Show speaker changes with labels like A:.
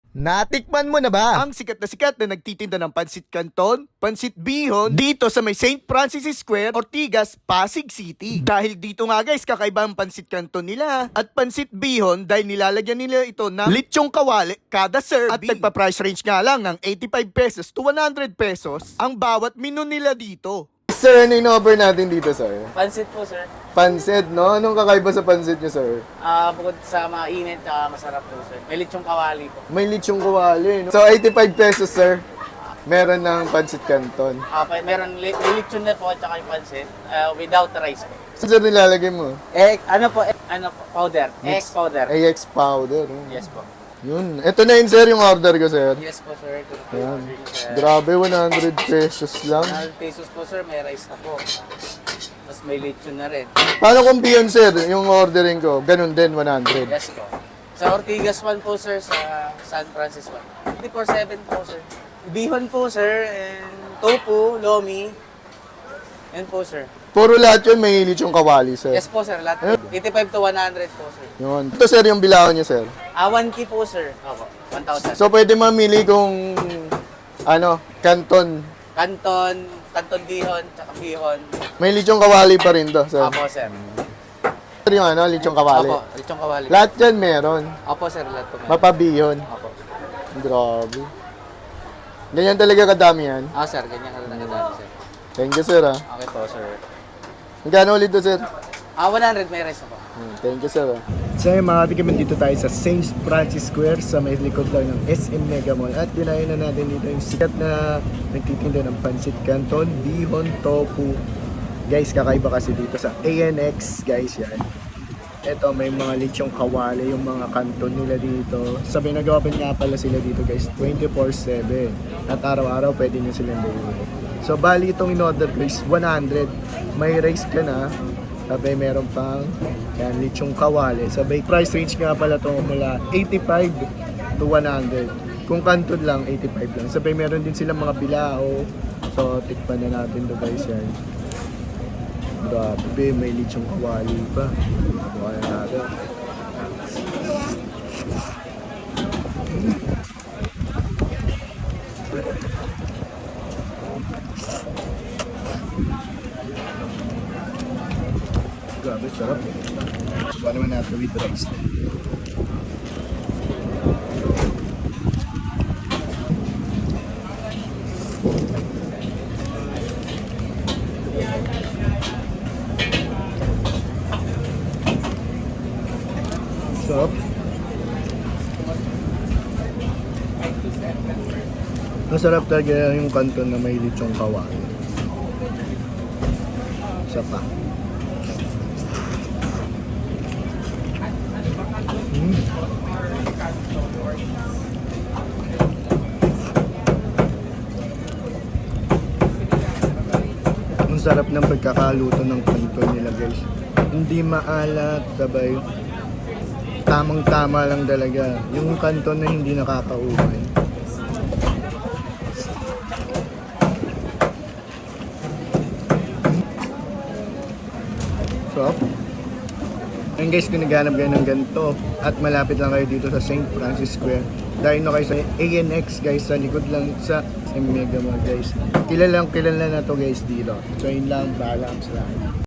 A: Natikman mo na ba
B: Ang sikat na nagtitinda ng Pansit Canton, Pansit Bihon, dito sa may St. Francis Square, Ortigas, Pasig City. Dahil dito nga guys, kakaiba ang Pansit Canton nila. At Pansit Bihon, dahil nilalagyan nila ito ng litsyong kawali kada serving. At nagpa-price range nga lang ng 85 pesos to 100 pesos ang bawat menu nila dito.
A: Sir, ano in-offer natin dito, sir?
C: Pansit po, sir.
A: Pansit, no? Anong kakaiba sa pansit nyo, sir?
C: Bukod sa mainit, masarap po, sir. May litsong kawali po.
A: May litsyong kawali, no? So, 85 pesos, sir. Meron ng Pansit Canton.
C: Meron may litsyon na po at saka yung pansit without rice po.
A: Sir, nilalagay mo?
C: Powder. Egg powder.
A: AX powder. no?
C: Yes po.
A: Yun. Ito na yun, sir, yung order ko, sir.
C: Yes po, sir. Ito po
A: Ayan.
C: yung order niyo, sir.
A: Grabe, 100 pesos lang.
C: 100 pesos po, sir. May rice na po. Tapos may litsyon na rin.
A: Paano kung beyond, sir, yung ordering ko? Ganun din, 100.
C: Yes po. Sa Ortigas 1 po, sir. Sa San Francisco 1. 24/7 po, sir. Bihon po, sir. And tofu, lomi. Yan po, sir.
A: Puro lahat yun, may litsyong kawali, sir.
C: Yes po, sir. Lahat. 85 to 100 po, sir.
A: Yun. Ito, sir, yung bilao niya, sir.
C: 1K po, sir. Opo. 1,000.
A: So, pwede mamili kung, canton.
C: Canton bihon, tsaka bihon.
A: May litsyong kawali pa rin to, sir.
C: Opo, sir.
A: Sir, yung litsyong kawali.
C: Opo, lechong kawali.
A: Lahat yan meron.
C: Opo, sir. Lahat po meron.
A: Mapabihon.
C: Opo.
A: Grabe. Ganyan talaga kadami yan.
C: Sir. Ganyan ka lang kadami, sir.
A: Thank you, sir, ah.
C: Okay po, sir.
A: Magkano ulit to, sir?
C: 100 may rice na po.
A: Thank you, sir. So yung mga katikiman, dito tayo sa St. Francis Square sa may likod lang ng SM Mega Mall. At dinayo na natin dito yung sikat na nagtitinda ng Pansit Canton, Bihon, Tofu. Guys, kakaiba kasi dito sa ANX, guys, yan. Ito, may mga litsyong kawali, yung mga kanton nila dito. Sabi, nag-open nga pala sila dito, guys, 24/7. At araw-araw, pwede nyo silang bumili. So, bali itong in-order ko is 100. May rice ka na. Sabay meron pang yan, litsyong kawali. Sabay price range nga pala ito mula 85 to 100. Kung kanton lang, 85 lang. Sabay meron din silang mga bilao. So, tikpan na natin to guys yan. Grabe, may litsyong kawali pa. Buka na natin. Grabe, sarap. Subukan naman natin with rice. Sarap. Masarap talaga yung kanton na may litsyong kawali. Isa pa. Ang sarap ng pagkakaluto ng kanton nila guys. Hindi maalat, sabay. Tamang-tama lang talaga. Yung kanton na hindi nakakaumay. So, ayun guys, kung naghanap kayo ng ganito at malapit lang kayo dito sa St. Francis Square, dahil na kayo sa ANX guys, sa likod lang sa Mega Mall guys. Kilala na to guys dito. So yun lang, paalam sa lahat.